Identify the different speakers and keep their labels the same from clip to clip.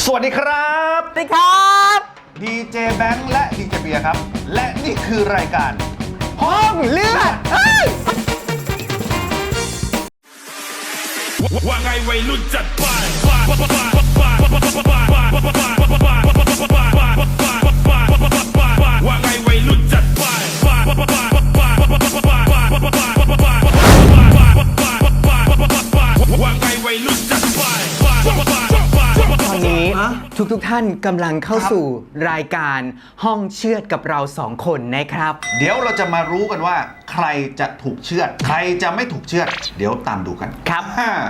Speaker 1: วัสดีครับ
Speaker 2: สวัสดีครับ
Speaker 1: ดีเจแบงค์และดีเจเบียร์ครับและนี่คือรายการ
Speaker 2: ห้องเลือด
Speaker 3: ว่าไงวัยรุ่นจัดไปว่าไงวัยรุ่นจัดไปว่าไงวัยรุ่นจัดไป
Speaker 2: ตอนนี้ทุกท่านกำลังเข้าสู่รายการห้องเชือดกับเราสองคนนะครับ
Speaker 1: เดี๋ยวเราจะมารู้กันว่าใครจะถูกเชือดใครจะไม่ถูกเชือดเดี๋ยวตามดูกัน
Speaker 2: ครับ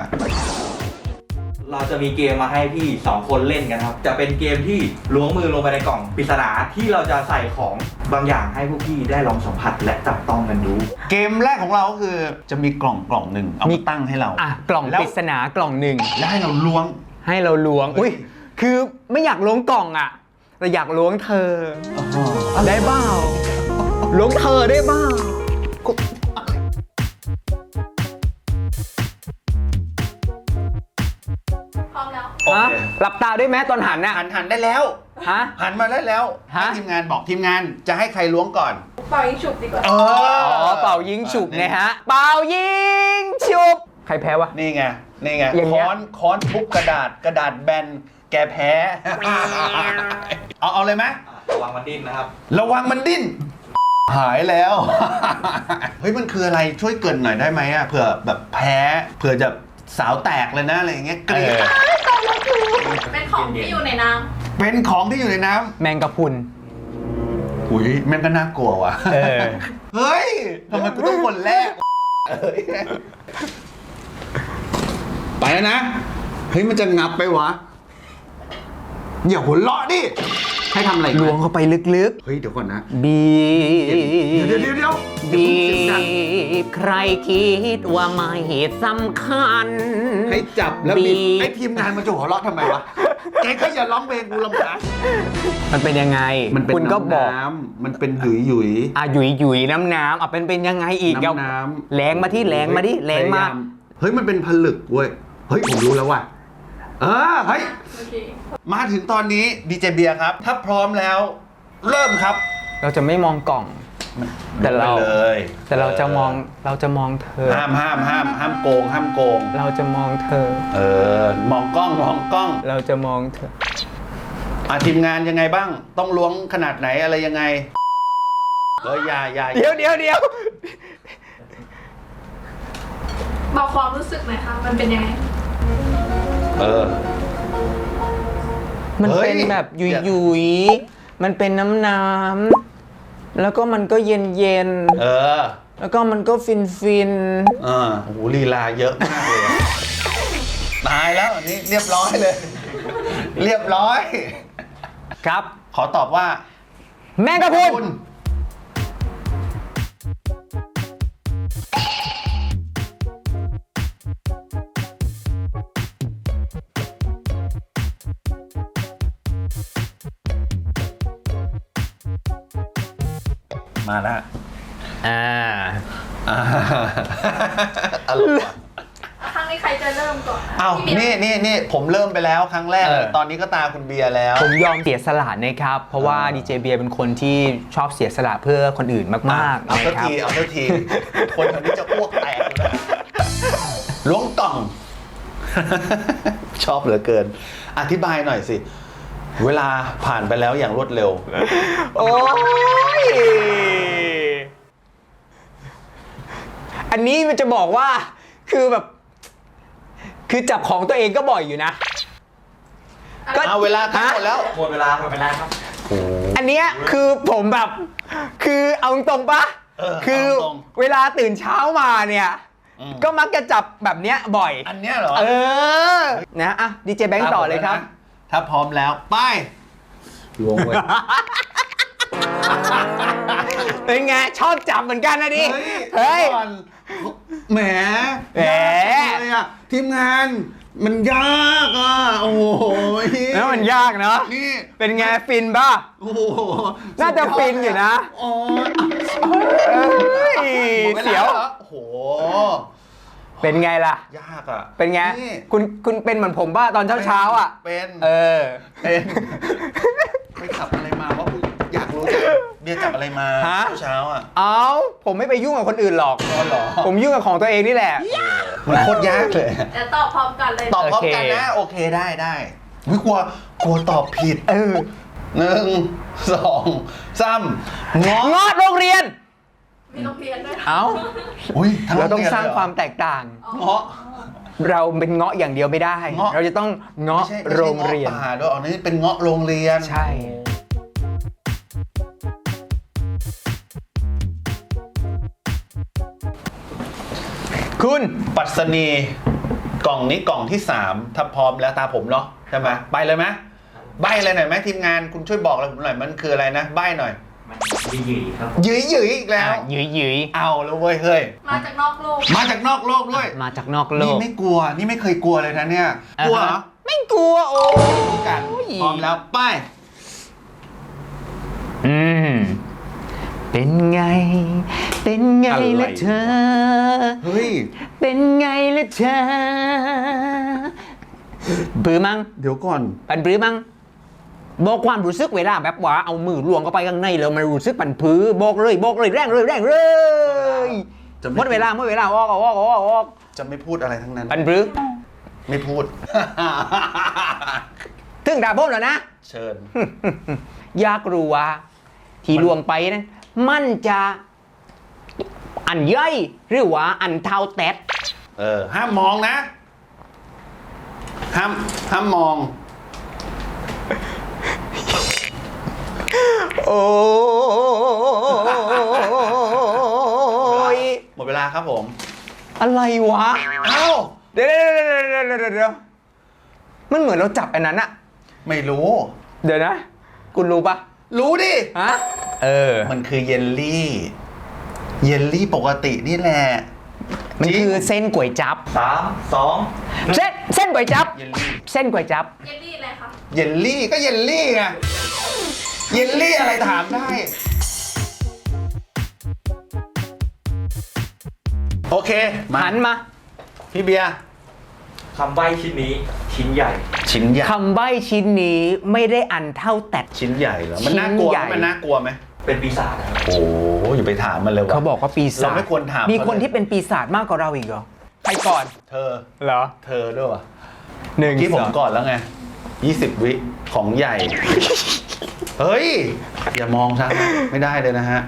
Speaker 4: เราจะมีเกมมาให้พี่2คนเล่นกันครับจะเป็นเกมที่ล้วงมือลงไปในกล่องปริศนาที่เราจะใส่ของบางอย่างให้พวกพี่ได้ลองสัมผัสและจับต้องกันดู
Speaker 1: เกมแรกของเราก็คือจะมีกล่องหนึ่งเอามาตั้งให้เรา
Speaker 2: กล่องปริศนากล่องหนึ่ง
Speaker 1: แล้วให้เราล้วง
Speaker 2: อุ้ยคือไม่อยากล้วงกล่องอ่ะแต่อยากล้วงเธอได้เปล่าล้วงเธอได้เปล่า
Speaker 5: พร้อมแล้ว
Speaker 2: หลับตาด้วยไหมตอนหันน่ะ
Speaker 1: หันได้แล้วหันมาได้แล้วให้ทีมงานบอกทีมงานจะให้ใครล้วงก่อน
Speaker 5: เป่ายิงฉุบดีกว่า
Speaker 2: เป่ายิงฉุบไงฮะเป่ายิงฉุบใครแพ้วะ
Speaker 1: นี่ไงค้อนทุบกระดาษแบนแกแพ้เอาเลยไหม
Speaker 4: ระวังมันดิ้นนะครับ
Speaker 1: ระวังมันดิ้นหายแล้วเฮ้ยมันคืออะไรช่วยเกริ่นหน่อยได้ไหมอ่ะเผื่อแบบแพ้เผื่อจะสาวแตกเลยนะอะไรอย่างเงี้ยเกลียด
Speaker 5: เป็นของที่อยู่ในน้ำ
Speaker 1: เป็นของที่อยู่ในน้
Speaker 2: ำแมงกะพรุน
Speaker 1: อุ้ยแมงก็น่ากลัวว่ะเฮ้ยทำไมกูต้องคนแรกไปแล้วนะเฮ้ยมันจะงับไปวะอย่าหัวเราะดิให้ทำอะไร
Speaker 2: ล้วงเข้าไปลึก
Speaker 1: ๆเฮ้ยเดี๋ยวก่อนนะ
Speaker 2: บี
Speaker 1: บเดี๋ยว
Speaker 2: บีบใครคิดว่าไม่สำคัญ
Speaker 1: ให้จับแล้วบีบไอ้ทีมงานมันจะหัวเราะทำไมวะแกก็อย่าร้องเพลงกูรำคาญ
Speaker 2: มันเป็นยังไง
Speaker 1: คุณก็บอกมันเป็นหยุยห
Speaker 2: ยุยน้ำเป็นยังไงอีก
Speaker 1: น้
Speaker 2: ำแรงมาที่แรงมา
Speaker 1: เฮ้ยมันเป็นผลึกเว้ยเฮ้ยผมรู้แล้วว่ะเฮ้ยมาถึงตอนนี้ดีเจเบียร์ครับถ้าพร้อมแล้วเริ่มครับ
Speaker 2: เราจะไม่มองกล่องแต่เราจะมองเธอ
Speaker 1: ห้ามโกง
Speaker 2: เราจะมองเธอ
Speaker 1: มองกล้อง
Speaker 2: เราจะมองเธอ
Speaker 1: ทีมงานยังไงบ้างต้องล้วงขนาดไหนอะไรยังไงอย่า
Speaker 2: เดี๋ยว
Speaker 5: บอกความรู้สึกหน่อยค่ะมันเป็นยังไง
Speaker 2: มันเป็นแบบยุยมันเป็นน้ำแล้วก็มันก็เย็นแล้วก็มันก็ฟิน
Speaker 1: โอ้โหลีลาเยอะมากเลยตายแล้วอันนี้เรียบร้อยเลยเรียบร้อย
Speaker 2: ครับ
Speaker 1: ขอตอบว่า
Speaker 2: แมงกะพรุน
Speaker 1: มาแล้ว
Speaker 5: อร่อยครั้งนี้ใครจะเริ่มก่อน
Speaker 1: นี่ผมเริ่มไปแล้วครั้งแรกตอนนี้ก็ตาคุณเบียร์แล้ว
Speaker 2: ผมยอมเสียสละนะครับเพราะว่าดีเจเบียร์เป็นคนที่ชอบเสียสละเพื่อคนอื่นมากๆ
Speaker 1: เอาสักทีคนแถวนี้จะอ้วกแตกเลยล้วงกล่องชอบเหลือเกินอธิบายหน่อยสิเวลาผ่านไปแล้วอย่างรวดเร็ว
Speaker 2: โอ้ยอันนี้มันจะบอกว่าคือจับของตัวเองก็บ่อยอยู่นะ
Speaker 1: ก็เวลาทั้งหมดแล้ว
Speaker 4: หมดเวลาครับ
Speaker 2: อันเนี้ยคือผมแบบคือเอาตรงปะคือเวลาตื่นเช้ามาเนี่ยก็มักจะจับแบบเนี้ยบ่อย
Speaker 1: อันเนี้ยเหรอ
Speaker 2: นะดีเจแบงค์ต่อเลยครับ
Speaker 1: ถ้าพร้อมแล้วไปล้วงไว้
Speaker 2: เป็นไงชอบจับเหมือนกันนะดิเฮ้ย
Speaker 1: แหมเลยอ่ะทีมงานมันยากอ่ะโอ้ย
Speaker 2: แล้วมันยากเนาะ
Speaker 1: นี่
Speaker 2: เป็นไงฟินป่ะ
Speaker 1: โอ้โห
Speaker 2: น่าจะฟินอยู่นะ
Speaker 1: โอ้
Speaker 2: ยเสียว
Speaker 1: โอ้โห
Speaker 2: เป็นไงล่ะ
Speaker 1: ยากอ่ะ
Speaker 2: เป็นไง
Speaker 1: นี่
Speaker 2: คุณเป็นเหมือนผมป่ะตอนเช้าอ่ะ
Speaker 1: เป็น
Speaker 2: เออ
Speaker 1: เป็นไปจับอะไรมาว่ากูอยากรู้จังเบียร์จับอะไรมา
Speaker 2: ฮะ
Speaker 1: เช้าๆอ่ะ
Speaker 2: เอาผมไม่ไปยุ่งกับคนอื่นหรอก
Speaker 1: อ๋อเหรอ
Speaker 2: ผมยุ่งกับของตัวเองนี่แหละ
Speaker 1: มันโคตรยากเลย
Speaker 5: เดี๋ยวตอบพร้อมกันเลย
Speaker 1: ตอบพร้อมกันนะโอเคได้อุ๊ยกลัวตอบผิด
Speaker 2: เออ
Speaker 1: 1 2 3ง้อ
Speaker 2: เงาะโรงเรียน
Speaker 5: มีโรงเรียนด้วย
Speaker 2: เอา
Speaker 1: อุ้ยทั้
Speaker 2: เราต้อง
Speaker 1: โยน
Speaker 2: สร้าง
Speaker 1: ลยห
Speaker 2: ความแตกต่าง
Speaker 1: เงาะ
Speaker 2: เราเป็นเงาะอย่างเดียวไม่ได้
Speaker 1: เงาะ
Speaker 2: เราจะต้องเงาะ
Speaker 1: ไม่ใช่
Speaker 2: โรงเรียน
Speaker 1: เงาะป่าด้วยอันนี้เป็นเงาะโรงเรียน
Speaker 2: ใช่ คุณ
Speaker 1: ปัสนีกล่องนี้กล่องที่ 3 ถ้าพร้อมแล้วตาผมเนาะใช่ไหมไปเลยไหมใบอะไรหน่อยไหมทีมงานคุณช่วยบอกอะไรผมหน่อยมันคืออะไรนะใบหน่อย
Speaker 4: มันหยีๆครับ
Speaker 1: หยืยอีกแล้ว
Speaker 2: หยุย
Speaker 1: เอาแล้วเว้ยเฮ้ย
Speaker 5: มาจากนอกโลก
Speaker 1: มาจากนอกโลกด้วย
Speaker 2: มาจากนอกโล
Speaker 1: นี่
Speaker 2: ก
Speaker 1: ไม่กลัวนี่ไม่เคยกลัวเลยนะเนี่ยกลัวเหรอ
Speaker 2: ไม่กลัวโอ้
Speaker 1: รู้กันพร้อมแล้วไป
Speaker 2: เป็นไง เป็นไง
Speaker 1: อะไร
Speaker 2: ล่ะเธอ
Speaker 1: เฮ้ย
Speaker 2: เป็นไงล่ะเธอบื้อมั้ง
Speaker 1: เดี๋ยวก่อน
Speaker 2: ปันปรื้อมั้งบอกความรู้สึกเวลาแบบว่าเอามือลวงเข้าไปข้างในแล้วมันรู้สึกปันพื้อบอกเลยแรงเลย
Speaker 1: จะไม่
Speaker 2: หมดเวลาออก
Speaker 1: จะไม่พูดอะไรทั้งนั้น
Speaker 2: ปันปรื้อ
Speaker 1: ไม่พูด
Speaker 2: ถึงด่าผมแล้วนะ
Speaker 1: เชิญ
Speaker 2: อยากรู้ว่าที่ลวงไปนั้นมันจะอันย่อยหรือว่าอันเท่าแตด
Speaker 1: ห้ามมองนะ ห้ามมอง
Speaker 2: โอ้ย
Speaker 1: หมดเวลาครับผม
Speaker 2: อะไรวะ
Speaker 1: เอ้า
Speaker 2: เดี๋ยวมันเหมือนเราจับอันนั้นอะ
Speaker 1: ไม่รู้
Speaker 2: เดี๋ยวนะ คุณรู้ปะ
Speaker 1: รู้ดิ
Speaker 2: ฮะมั
Speaker 1: มันคือเยลลี่ เยลลี่ปกตินี่แหละ
Speaker 2: มัน
Speaker 1: จริง
Speaker 2: คือเส้นก๋วยจับ
Speaker 4: 3 2
Speaker 2: เส้นก๋วยจับ
Speaker 1: เยลลี่
Speaker 2: เส้นก๋วยจับ
Speaker 5: เยลลี่อะไรคะ
Speaker 1: เยลลี่ก็เยลลี่ไง เยลลี่อะไรถามได้ โอเค
Speaker 2: หันมา
Speaker 1: พี่เบียร์
Speaker 4: คำใบ้ชิ้นนี้ชิ้นใหญ่
Speaker 1: ชิ้นใหญ่
Speaker 2: คำใบ้ชิ้นนี้ไม่ได้อันเท่าแตด
Speaker 1: ชิ้นใหญ่เหรอ มันน่ากลัว
Speaker 2: ชิ้นใหญ่
Speaker 1: ไหมมันน่ากลัวไหม
Speaker 4: เป็นปีศาจนะครับ
Speaker 1: โอ้อย่าไปถามมันเลยว่ะ
Speaker 2: เขาบอกว่าปีศาจ
Speaker 1: เราไม่ควรถาม
Speaker 2: มี
Speaker 1: เขา
Speaker 2: คน
Speaker 1: เลย
Speaker 2: ที่เป็นปีศาจมากกว่าเราอีกเหรอ ใครก่อน
Speaker 1: เธอ
Speaker 2: เหรอ
Speaker 1: เธอด้วยวะ
Speaker 2: หนึ่ง
Speaker 1: เมื่อกี้ผม
Speaker 2: สอง
Speaker 1: ก่อนแล้วไง 20 วิของใหญ่ เฮ้ย อย่ามองซะไม่ได้เลยนะฮะ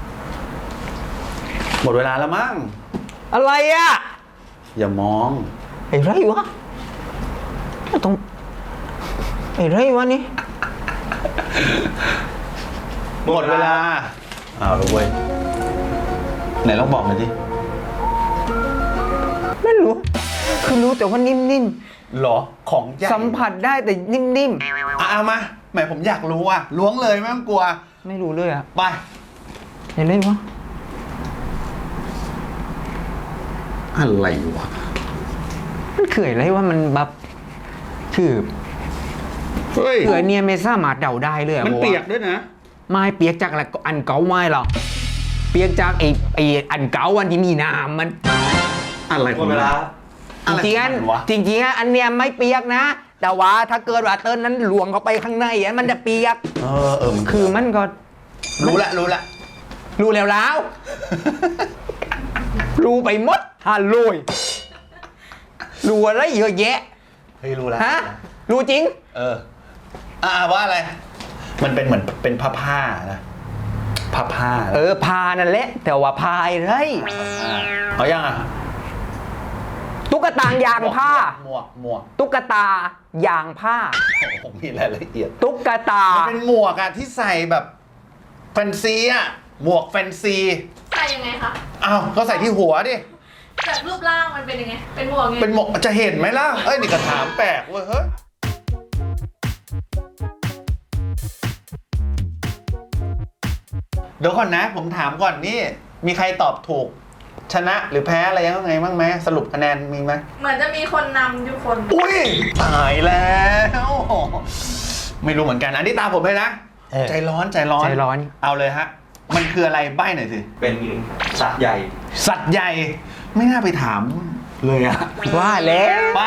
Speaker 1: หมดเวลาแล้วมั้ง
Speaker 2: อะไรอ่ะ
Speaker 1: อย่ามอง
Speaker 2: ไอ้ไรวะต้องไอ้ไรวะนี่
Speaker 1: หมดเวลาเอาละเว้ย ไหนลองบอกหน่อยดิ
Speaker 2: ไม่รู้ คือรู้แต่ว่านิ่ม
Speaker 1: หรอ ของใหญ่
Speaker 2: ๆ สัมผัสได้แต่นิ่ม
Speaker 1: เอามาแหมผมอยากรู้อ่ะล้วงเลยไม่ต้องกลัว
Speaker 2: ๆ ไม่รู้เลยอ่ะ
Speaker 1: ไป
Speaker 2: ไอ้ไรวะ
Speaker 1: อะไรวะ
Speaker 2: มันคืออะไรวะมันแบบคือ
Speaker 1: เฮ้ย
Speaker 2: คืออันเนี้ยไม่สามารถเดาได้เลยอะ
Speaker 1: มัน
Speaker 2: พราะว่า
Speaker 1: เปียกด้วยนะ
Speaker 2: ไม่เปียกจากอะไรอันเก่าไม่หรอกเปียกจากไอ้อันเก่าวันที่มีน้ำมัน
Speaker 1: อะไร
Speaker 4: หมดเวลา
Speaker 1: อะไร
Speaker 2: จริงๆ
Speaker 1: ข
Speaker 2: อั
Speaker 1: อน มันวะ
Speaker 2: จริงๆอันเนี้ยไม่เปียกนะ แต่ว่าถ้าเกิดว่าเติ้ลนั้นหลวงเข้าไปข้างในอันมันจะเปียก
Speaker 1: มัน
Speaker 2: คือมันก็
Speaker 1: รู้ละ
Speaker 2: รู้แล้วรู้ไปหมดฮัลโหลยรู้อะไรเยอะแยะ
Speaker 1: เฮ้ยรู้ละ
Speaker 2: ฮะรู้จริง
Speaker 1: ว่าอะไร มันเป็นเหมือนเป็นผ้านะผ้า
Speaker 2: พานั่นแหละ แต่ว่าพายไร
Speaker 1: เอายังอ่ะ
Speaker 2: ตุ๊กตายางผ้า
Speaker 1: หมวก
Speaker 2: ตุ๊กตายางผ้า
Speaker 1: ผมมีรายละเอียด
Speaker 2: ตุ๊กตา
Speaker 1: มันเป็นหมวกอะที่ใส่แบบแฟนซีอะหมวกแฟนซี
Speaker 5: ใส่ยังไงคะ
Speaker 1: อ้าวก็ใส่ที่หัวดิ
Speaker 5: จากรูปร่างมันเป็นยังไง เป็นหมวกไง
Speaker 1: เป็นหมวกจะเห็นไหมล่ะ เอ้ยนี่ก็ถามแปลกเว้ยเฮ้ย เดี๋ยวก่อนนะ ผมถามก่อนนี่ มีใครตอบถูก ชนะหรือแพ้อะไรยังไงบ้างไหมสรุปคะแนนมีไหม
Speaker 5: เหมือนจะมีคนนำอยู่คน
Speaker 1: อุ้ยตายแล้ว ไม่รู้เหมือนกัน อันนี้ตามผมเลยนะ ใจร้อน เอาเลยฮะ มันคืออะไรใบ้หน่อยสิ
Speaker 4: เป็นสัตว์ใหญ่
Speaker 1: สัตว์ใหญ่ ไม่น่าไปถามเลยอะ
Speaker 2: ว่าแล้ว
Speaker 1: ไป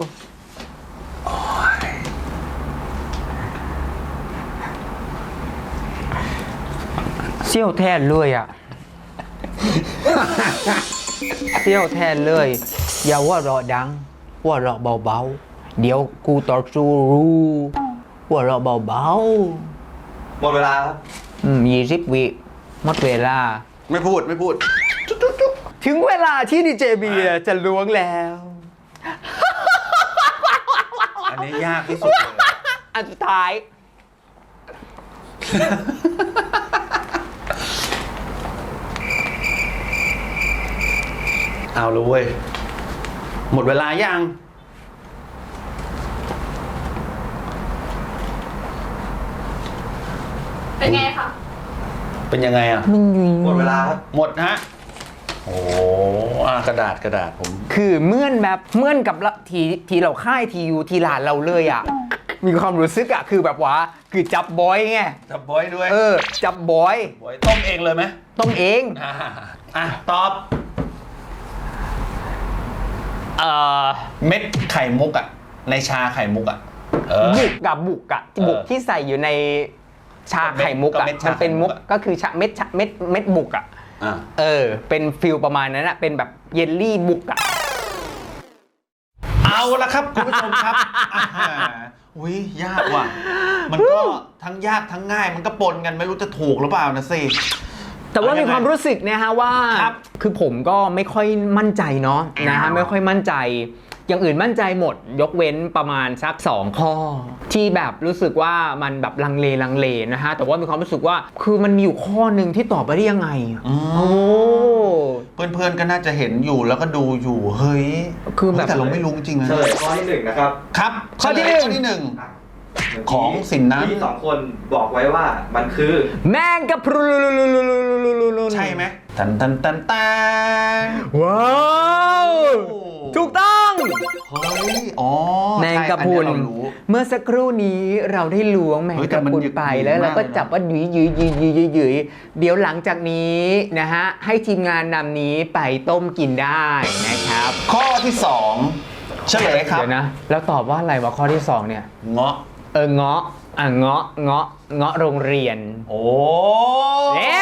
Speaker 2: เซี่ยวแทนเลยอ่ะ เซี่ยวแทนเลย อย่าว่าเราะดัง ว่าเราะเบาๆ เดี๋ยวกูต่อสู้รู้ว่าเราะเบา
Speaker 4: หมดเวลาครับ
Speaker 2: 20 วิหมดเวลา
Speaker 1: ไม่พูด
Speaker 2: ถึงเวลาที่ดีเจเบียร์จะล้วงแล้ว
Speaker 1: อันนี้ยากที่สุดเลย
Speaker 2: อันสุดท้าย
Speaker 1: เอาเลยเว้ย หมดเวลายัง
Speaker 5: เป็นไงคะ
Speaker 1: เป็นยังไงอะ
Speaker 4: หมดเวลาครับ
Speaker 1: หมดฮะ โอ้กระดาษผม
Speaker 2: คือเหมื่อนกับละทีเราค่ายทีอยู่ทีหลานเราเลยอ่ะ มีความรู้สึกอ่ะ คือแบบว่า คือจับบอยไง
Speaker 1: จับบอยด้วย
Speaker 2: จับบอย
Speaker 1: บอยต้มเองเลยไหม
Speaker 2: ต้องเอง
Speaker 1: ตอบ เม็ดไข่มุกอะในชาไข่มุกอะ
Speaker 2: บุกกับบุกอะบุกที่ใส่อยู่ในชาไข่มุกอะ
Speaker 1: เม็ดชา
Speaker 2: มันเป็นมุก
Speaker 1: ไข่มุกอะ
Speaker 2: ก็คือชาเม็ดบุกอะเป็นฟิลประมาณนั้นอะเป็นแบบเยลลี่บุกอะ
Speaker 1: เอาละครับคุณผู้ชมครับอุ้ยยากว่ะ มันก็ทั้งยากทั้งง่าย มันก็ปนกันไม่รู้จะถูกหรือเปล่านะสิ
Speaker 2: แต่ว่ามีความรู้สึกนะฮะว่า
Speaker 1: ครับ
Speaker 2: คือผมก็ไม่ค่อยมั่นใจเนาะนะฮะไม่ค่อยมั่นใจ อย่างอื่นมั่นใจหมด ยกเว้นประมาณสัก2ข้อ ที่แบบรู้สึกว่ามันแบบลังเลนะฮะแต่ว่ามีความรู้สึกว่าคือมันมีอยู่ข้อหนึ่งที่ตอบไปได้ยังไงอะโอ้
Speaker 1: เพื่อนๆก็น่าจะเห็นอยู่แล้วก็ดูอยู่เฮ้ย
Speaker 2: คือแบบ
Speaker 1: แต่เราไม่รู้จริงๆนะ
Speaker 4: เฉลยข้อที่ 1 นะครับ
Speaker 1: ครับ
Speaker 2: ข้อที่
Speaker 1: เฉลย
Speaker 2: หนึ่ง
Speaker 1: ข้อที่ 1 ของสินนั้น
Speaker 4: ที่2 คนบอกไว้ว่ามันคือ
Speaker 2: แมงกะพรุน
Speaker 1: ใช่ไหมตัน
Speaker 2: ว้าวถูกต้อง
Speaker 1: เฮ้ยอ๋อ
Speaker 2: แมงกะพรุน
Speaker 1: ใช่อันนี้เรารู้
Speaker 2: เมื่อสักครู่นี้เราได้ล้วงแมง
Speaker 1: เฮ้ยแต่
Speaker 2: กะ
Speaker 1: มัน
Speaker 2: พรุนไปแล้วเราก็จับว่าหยุยเดี๋ยวหลังจากนี้นะฮะให้ทีมงานนำนี้ไปต้มกินได้นะครับ
Speaker 1: ข้อที่ 2 เฉลยครับ
Speaker 2: เดี๋ยวนะ แล้วตอบว่าอะไรวะข้อที่ 2 เนี่ย
Speaker 1: เงาะ
Speaker 2: เงาะเงาะโรงเรียน
Speaker 1: โอ้
Speaker 2: เย้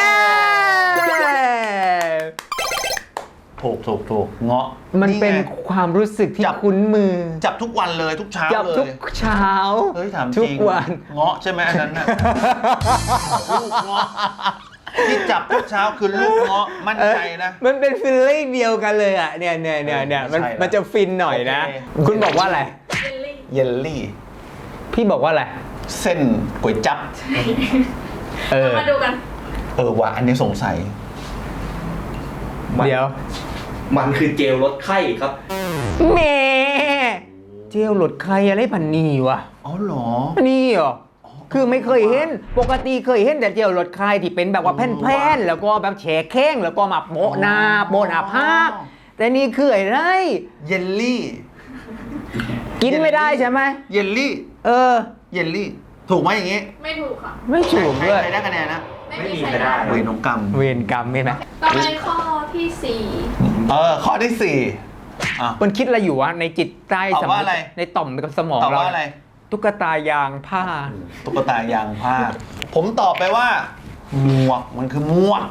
Speaker 1: ถูกเงาะ
Speaker 2: มันเป็น
Speaker 1: ไง
Speaker 2: ความรู้สึกที่
Speaker 1: จับ
Speaker 2: คุ้นมือ
Speaker 1: จับทุกวันเลยทุกเช้า
Speaker 2: จับ
Speaker 1: เลย
Speaker 2: ทุกเช้า
Speaker 1: เฮ้ยถามจ
Speaker 2: ทุ
Speaker 1: ริ
Speaker 2: ก
Speaker 1: ง
Speaker 2: วัน
Speaker 1: เงาะใช่ไหมอันนั้นน่ะ ลูกเงาะที่จับทุกเช้าคือลูกเงาะมั่นใจนะ
Speaker 2: มันเป็นฟีลลิ่งเดียวกันเลยอ่ะเนี่ย
Speaker 1: ไม่ใช่ละ
Speaker 2: มันจะฟินหน่อยนะ
Speaker 1: โอเค
Speaker 2: คุณบอกว่าอะไร
Speaker 5: เยลลี่
Speaker 1: เยลลี่
Speaker 2: พี่บอกว่าอะไร
Speaker 1: เส้นก๋วยจั๊บ
Speaker 5: มาดูกัน
Speaker 1: ว่ะอันนี้สงสัย
Speaker 2: เดี๋ยว
Speaker 4: มันคือเจลลดไข้ครับ
Speaker 2: แหม่เจลหลดใครอะไรพันนี่วะ
Speaker 1: อ๋อเหรอ
Speaker 2: นี่เหรอ คือไม่เคยเห็น ปกติเคยเห็นแต่เจลหลดใครที่เป็นแบบว่าแผ่นๆแล้วก็แบบแฉะแข้งแล้วก็มาโปะหน้าโปะหน้าผากแต่นี่คืออะไร
Speaker 1: เยลลี่
Speaker 2: กินไม่ได้ใช่ไหม
Speaker 1: เยลลี่ เยลลี่ ถูกไหมอย่างงี้
Speaker 5: ไม่ถูกค่ะ
Speaker 2: ไม่ถูกด้วย
Speaker 1: ใครได้คะแนนนะ
Speaker 4: ไม่มีใครได้
Speaker 1: เวรนงกรรม
Speaker 2: เวรกรรมใช่ไหม
Speaker 5: ต่อไปข้อที่
Speaker 1: ข้อที่
Speaker 2: มันคิดอะไรอยู่วะในจิตใต้
Speaker 1: ตอบว่าอะไร
Speaker 2: ในต่อมกับสมอง
Speaker 1: 4ตอบ
Speaker 2: เรา
Speaker 1: ว่าอะไร
Speaker 2: ตุ๊กตายางผ้า
Speaker 1: ตุ๊กตายางผ้า ผมตอบไปว่า หมวก มันคือหมวก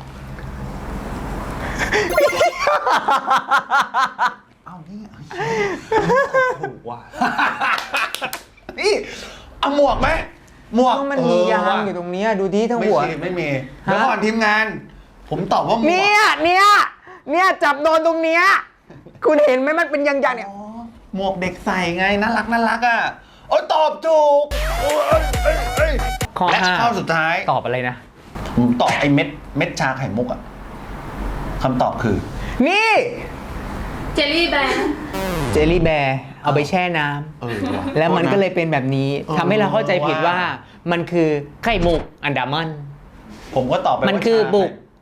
Speaker 1: เอานี่ถูกว่ะ นี่เอาหมวกไหมหมวก
Speaker 2: มันมียางอยู่ตรงเนี้ยดูที่ทั้งหัว
Speaker 1: ไม่มีเดี๋ยวก่อนทีมงาน ผมตอบว่าหมวก
Speaker 2: เนี่ยจับโดนตรงเนี้ยคุณเห็นไหมมันเป็นยางๆเนี่ย
Speaker 1: อ๋อหมวกเด็กใส่ไงน่ารักอ่ะโอ้ยตอบถูกโอ้ยเอ้ย
Speaker 2: ข้อ
Speaker 1: และ
Speaker 2: 5
Speaker 1: ข้อสุดท้าย
Speaker 2: ตอบอะไรนะ
Speaker 1: ผมตอบไอ้เม็ดชาไข่มุกอ่ะคำตอบคือ
Speaker 2: นี่
Speaker 5: 4 เจลลี่แบร์
Speaker 2: เจลลี่แบร์เอาไปแช่น้ำ
Speaker 1: ว่ะ
Speaker 2: แล้วมันก็เลยเป็นแบบนี้ทำให้เราเข้าใจผิดว่ามันคือไข่มุกอันดามัน
Speaker 1: ผมก็ตอบไปว่า
Speaker 2: มันคือบุก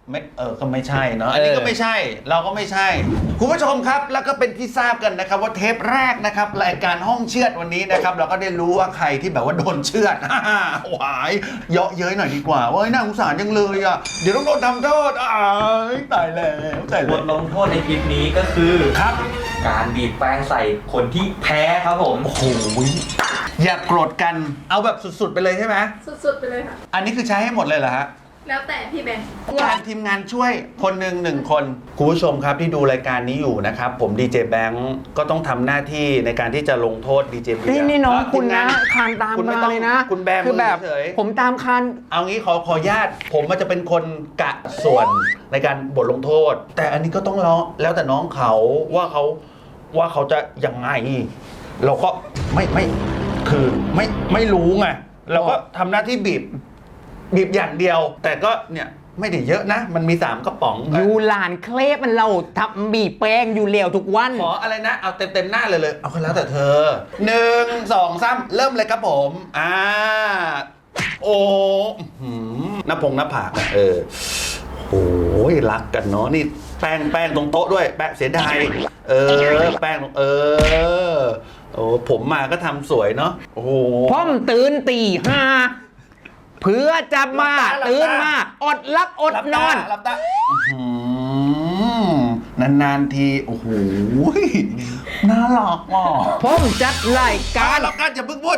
Speaker 1: ไม่ก็ไม่ใช่เนาะอันนี้ก็ไม่ใช่เราก็ไม่ใช่คุณผู้ชมครับแล้วก็เป็นที่ทราบกันนะครับว่าเทปแรกนะครับรายการห้องเชือดวันนี้นะครับเราก็ได้รู้ว่าใครที่แบบว่าโดนเชือด หวายเยาะเย้ยหน่อยดีกว่าว่าน่าสงสารจังเลยอ่ะเดี๋ยวต้องโดนทำโทษตายแล้วตาย
Speaker 4: บ
Speaker 1: แล้ว
Speaker 4: ทลงโทษในคลิปนี้ก็คือ
Speaker 1: ครับ
Speaker 4: การบีบแป้งใส่คนที่แพ้ครับผม
Speaker 1: โอ้โหอย่าโกรธกันเอาแบบสุดๆไปเลยใช่ไหม
Speaker 5: สุดๆไปเลยค่ะ
Speaker 1: อันนี้คือใช้ให้หมดเลยเหรอฮะ
Speaker 5: แล้วแต่พี่แบงค์
Speaker 1: การทีมงานช่วยคนหนึ่งคนคุณผู้ชมครับที่ดูรายการนี้อยู่นะครับผมดีเจแบงค์ก็ต้องทำหน้าที่ในการที่จะลงโทษดีเจเบียร์
Speaker 2: นี่น้องคุณนะ
Speaker 1: ทีมง
Speaker 2: คานตาม
Speaker 1: คุณไม่
Speaker 2: มา
Speaker 1: ต้อง
Speaker 2: เลยนะ
Speaker 1: คุณแบมือ
Speaker 2: คือแบบ
Speaker 1: เฉย
Speaker 2: ผมตามคาน
Speaker 1: เอางี้ขอญาติผมมันจะเป็นคนกะส่วนในการบทลงโทษ แต่อันนี้ก็ต้องแล้วแต่น้องเขาว่าเขาจะยังไง เราก็ไม่คือไม่รู้ไงเราก็ทำหน้าที่บีบอย่างเดียว แต่ก็เนี่ยไม่ได้เยอะนะ มันมี3กระป๋อง
Speaker 2: อยู่หลานเคลปมันเราทำบีบแป้งอยู่เหลวทุกวัน
Speaker 1: ขออะไรนะเอาเต็มหน้าเลยเอาก็แล้วแต่เธอ1 2 3เริ่มเลยครับผมโอ้หน้าผากอะโอ้ยรักกันเนาะนี่แป้งตรงโต๊ะด้วยแป้งเสียดายแป้งโอ้ผมมาก็ทำสวยเนาะโอ้โห
Speaker 2: พ่อมตื่นตี 5เพื่อจะมา
Speaker 1: หลับตา
Speaker 2: ตื่นมาอดลักอดนอน
Speaker 1: หลับตานานๆทีโอ้โหน่ารักว่ะ
Speaker 2: พ่อมจัดรายการ
Speaker 1: หลับตาอย่าเพิ่งพูด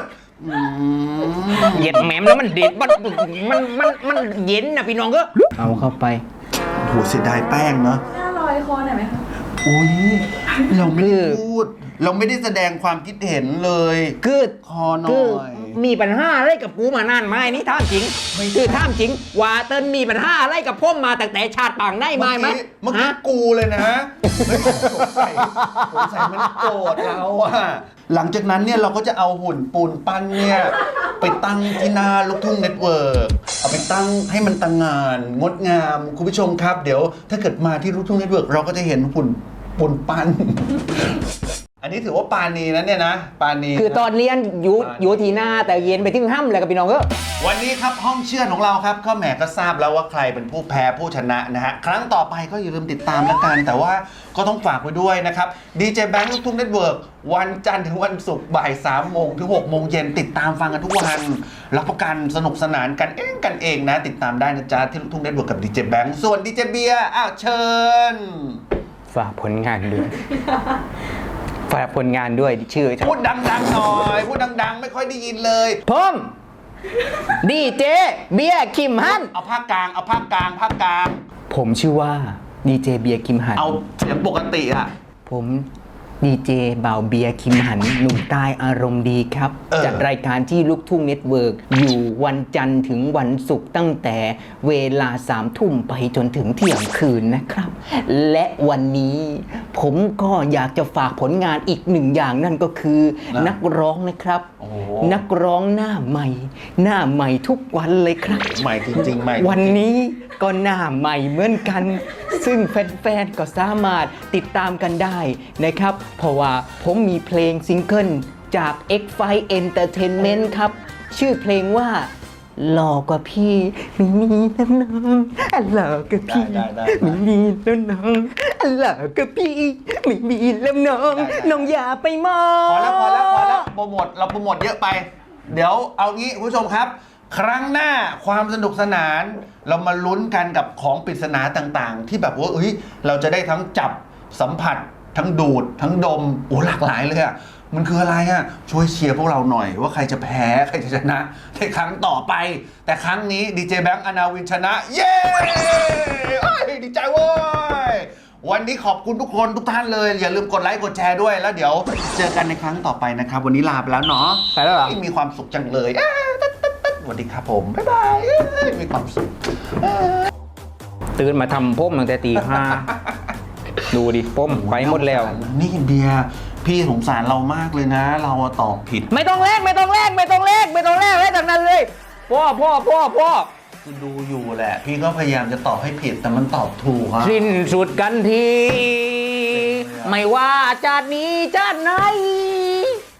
Speaker 2: เหย็ดแหมมแล้วมันเด็ดมันเย็นนะพี่น้องก็เอาเข้าไป
Speaker 1: โหเสียดายแป้งเนาะ
Speaker 5: หน้าลอยคอหน่อยไหมคะ
Speaker 1: อุ้ยเราไม่ได้พูด เราไม่ได้แสดงความคิดเห็นเลย
Speaker 2: คือ
Speaker 1: คอหน่
Speaker 2: คือ
Speaker 1: อย
Speaker 2: มีปัญหาอะไรกับกูมานานไหมนี่ท่ามจริงคือท่ามจริงว่าเติ้ลมีปัญหาอะไรกับพ่อมมาตั้งแต่ชาติปางได้ไหม
Speaker 1: เมื่อกี้กูเลยนะเฮ้ยสงสัยมันโกรธเราอะหลังจากนั้นเนี่ยเราก็จะเอาหุ่นปูนปั้นเนี่ยไปตั้งที่หน้าลูกทุ่งเน็ตเวิร์กเอาไปตั้งให้มันตั้งงานงดงามคุณผู้ชมครับเดี๋ยวถ้าเกิดมาที่ลูกทุ่งเน็ตเวิร์กเราก็จะเห็นหุ่นปูนปั้น อันนี้ถือว่าปานีนะเนี่ยนะปานี
Speaker 2: คือตอนเรียนอยู่ที่หน้าแต่เย็นไปที่ห้ำเลยกับพี่น้องก็
Speaker 1: วันนี้ครับห้องเชื่อดของเราครับก็แหมก็ทราบแล้วว่าใครเป็นผู้แพ้ผู้ชนะนะฮะครั้งต่อไปก็อย่าลืมติดตามแล้วกัน แต่ว่าก็ต้องฝากไว้ด้วยนะครับดีเจแบงค์ลูกทุ่งเน็ตเวิร์กวันจันทร์ถึงวันศุกร์บ่าย3 โมงถึง6 โมงเย็นติดตามฟังกันทุกวันรับประกันสนุกสนานกันเองนะติดตามได้นะจ๊ะที่ลูกทุ่งเน็ตเวิร์กกับดีเจแบงค์ส่วนดีเจเบียร์เชิญ
Speaker 2: ฝากผลงานด้วย ฝากผลงานด้วยชื่อ
Speaker 1: พูดดังๆหน่อยพูดดังๆไม่ค่อยได้ยินเลย
Speaker 2: ผมดีเจเบียร์คิมฮัน
Speaker 1: เอาภาคกลาง
Speaker 2: ผมชื่อว่าดีเจเบียร์คิมฮัน
Speaker 1: เอาเสียงปกติอะ
Speaker 2: ผมดีเจบ่าวเบียร์คิมหันหนุ่มใต้อารมณ์ดีครับ จัดรายการที่ลูกทุ่งเน็ตเวิร์กอยู่วันจันทร์ถึงวันศุกร์ตั้งแต่เวลา3 ทุ่มไปจนถึงเที่ยงคืนนะครับ และวันนี้ผมก็อยากจะฝากผลงานอีกหนึ่งอย่างนั่นก็คือนักร้องนะครับ นักร้องหน้าใหม่ทุกวันเลยครับ
Speaker 1: ใหม่จริงๆใหม่
Speaker 2: วันนี้ก็หน้าใหม่เหมือนกัน ซึ่งแฟนๆ ก็สามารถติดตามกันได้นะครับ เพราะว่าผมมีเพลงซิงเกิลจาก X5 Entertainment ครับ ชื่อเพลงว่าหล่อกว่าพี่ไม่มีแล้วน้องหล่อกว่าพี่ไม่มีแล้วน้องหล่อกว่าพี่ไม่มีแล้วน้องน้องอย่าไปมอง
Speaker 1: พอแล้วโปรโมทเราโปรโมทเยอะไป เดี๋ยวเอางี้คุณผู้ชมครับ ครั้งหน้าความสนุกสนานเรามาลุ้นกันกับของปริศนาต่างๆ ที่แบบว่าเราจะได้ทั้งจับสัมผัสทั้งดูดทั้งดมหลากหลายเลยอะมันคืออะไรอะช่วยเชียร์พวกเราหน่อยว่าใครจะแพ้ใครจะชนะในครั้งต่อไป แต่ครั้งนี้ดีเจแบงค์อนาวินชนะ เย้ดีใจเว้ยวันนี้ขอบคุณทุกคนทุกท่านเลยอย่าลืมกดไลค์กดแชร์ด้วยแล้วเดี๋ยวเจอกันในครั้งต่อไปนะครับวันนี้ลาไปแล้วเนาะ
Speaker 2: ไปแล้วเหรอ
Speaker 1: มีความสุขจังเลยสวัสดีครับผมบ๊ายบายมีความสุข
Speaker 2: ตื่นมาทำผมตั้งแต่ตี 5 ดูดิผมไปหมดแล้ว
Speaker 1: นี่เบียร์พี่สงสารเรามากเลยนะ เราตอบผิด
Speaker 2: ไม่ต้องแลกให้จากนั้นเลยพ่อ
Speaker 1: คือดูอยู่แหละ พี่ก็พยายามจะตอบให้ผิดแต่มันตอบถูกครับ
Speaker 2: สิ้นสุดกันที ไม่ว่าชาตินี้ชาติไหน